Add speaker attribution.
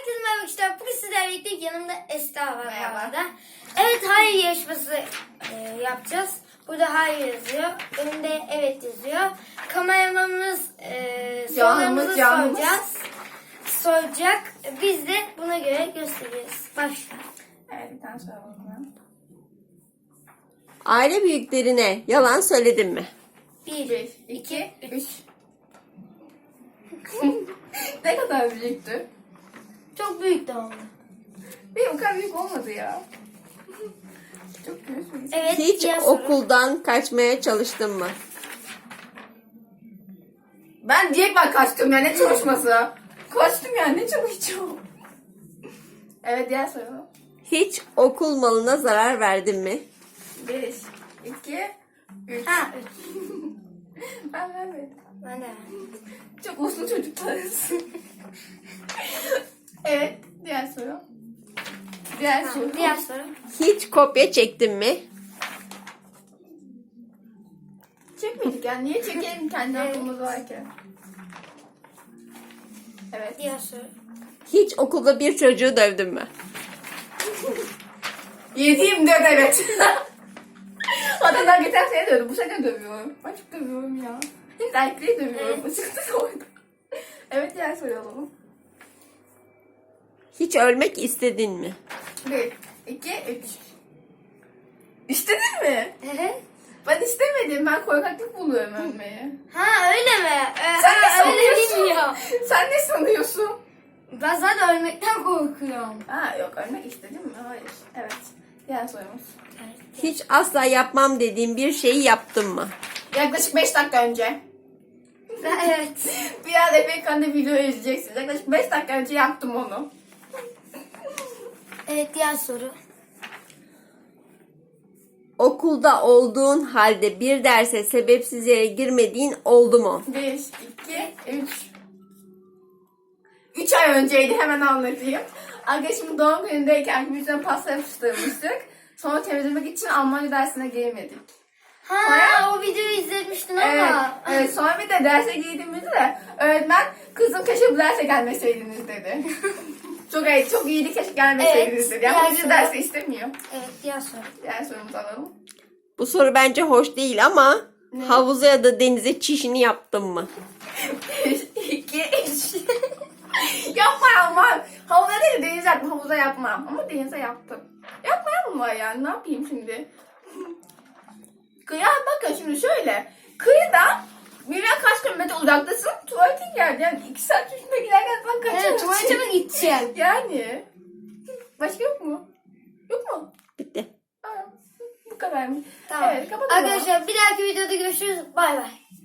Speaker 1: Herkese merhaba arkadaşlar. Bugün sizlerle birlikte yanımda Esra var.
Speaker 2: Merhaba.
Speaker 1: Arada. Evet, hayır yarışması yapacağız. Burada hayır yazıyor. Önünde evet yazıyor. Kameramanımız sorularımızı
Speaker 2: canımız.
Speaker 1: soracak. Biz de buna göre göstereceğiz. Başla.
Speaker 2: Evet, bir tane soru bakalım.
Speaker 3: Aile büyüklerine yalan söyledin mi?
Speaker 1: 1,
Speaker 2: 2, 3. Ne kadar büyüktü?
Speaker 1: Çok büyük de oldu.
Speaker 2: Benim o kadar büyük olmadı ya. Çok büyük mü?
Speaker 1: Evet.
Speaker 3: Hiç
Speaker 1: diğer soru.
Speaker 3: okuldan kaçmaya çalıştın mı?
Speaker 2: Ben direkt kaçtım ya, ne çalışması? Kaçtım ya, ne çalışacağım? Evet, diğer soru.
Speaker 3: Hiç okul malına zarar verdin mi?
Speaker 2: 1, 2, 3.
Speaker 1: Ha, 3.
Speaker 2: Ben vermedim.
Speaker 1: Ben de.
Speaker 2: Çok uslu çocuklarız. Evet, diğer soru. Diğer soru.
Speaker 1: Diğer soru.
Speaker 3: Hiç kopya çektin mi?
Speaker 2: Çekmedik ya, niye çekelim kendi aklımız varken? Evet.
Speaker 1: Diğer soru.
Speaker 3: Hiç okulda bir çocuğu dövdün mü?
Speaker 2: 7-24 evet. Hatta daha geçen sene dövdüm. Bu sene dövüyorum. Ben çok dövüyorum ya. Hep erkekleri dövüyorum.
Speaker 1: Evet.
Speaker 2: Çıktı orada. Evet, diğer soru alalım.
Speaker 3: Hiç ölmek istedin mi?
Speaker 2: 1, 2, 3. İstedin mi?
Speaker 1: Evet.
Speaker 2: Ben istemedim. Ben korkaklık buluyorum ölmeyi.
Speaker 1: Ha, öyle mi?
Speaker 2: Sen ne
Speaker 1: Ha, öyle
Speaker 2: sanıyorsun?
Speaker 1: bilmiyor.
Speaker 2: Sen ne sanıyorsun?
Speaker 1: Ben zaten ölmekten korkuyorum.
Speaker 2: Ha yok, ölmek istedim mi? Hayır. Evet. Diğer sorumuz.
Speaker 3: Hiç asla yapmam dediğin bir şeyi yaptın mı?
Speaker 2: Yaklaşık 5 dakika önce.
Speaker 1: Evet.
Speaker 2: Biraz Efekan'da video izleyeceksiniz. Yaklaşık 5 dakika önce yaptım onu.
Speaker 1: Evet, diğer soru.
Speaker 3: Okulda olduğun halde bir derse sebepsiz yere girmediğin oldu mu?
Speaker 2: 1, 2, 3. 3 ay önceydi, hemen anlatayım. Arkadaşımın doğum günündeyken yüzüne pasta yapıştırmıştık. Sonra temizlemek için Almanca dersine giremedik.
Speaker 1: Ha, o videoyu izlemiştin
Speaker 2: Evet,
Speaker 1: ama.
Speaker 2: evet, sonra bir de derse girdiğimizde de öğretmen kızım keşke bu derse gelmeseydiniz dedi. çok iyiydi, keşke gelmeseydiniz
Speaker 1: Evet,
Speaker 2: dedi. Ama
Speaker 1: diğer
Speaker 2: bizi
Speaker 1: soru.
Speaker 2: derse istemiyor.
Speaker 1: Evet, diğer soru.
Speaker 2: Diğer sorumuzu alalım.
Speaker 3: Bu soru bence hoş değil ama havuza ya da denize çişini yaptın mı?
Speaker 2: 2, 3. Yapma ama. Havuza değil, denize yaptım. Havuza yapmam. Ama denize yaptım. Yapmayan mı var yani? Ne yapayım şimdi? Kıyıya bakın şimdi şöyle. Kıyıdan birine kaç kilometre uzaktasın, tuvaletin geldi. Yani 2 saat üstüne giderken ben kaçarım.
Speaker 1: Evet, tuvalete mi gideceğim?
Speaker 2: Yani. Başka yok mu? Yok mu?
Speaker 3: Bitti.
Speaker 2: Ha, bu kadar mı?
Speaker 1: Tamam.
Speaker 2: Evet, kapatalım.
Speaker 1: Arkadaşlar, bir dahaki videoda görüşürüz. Bay bay.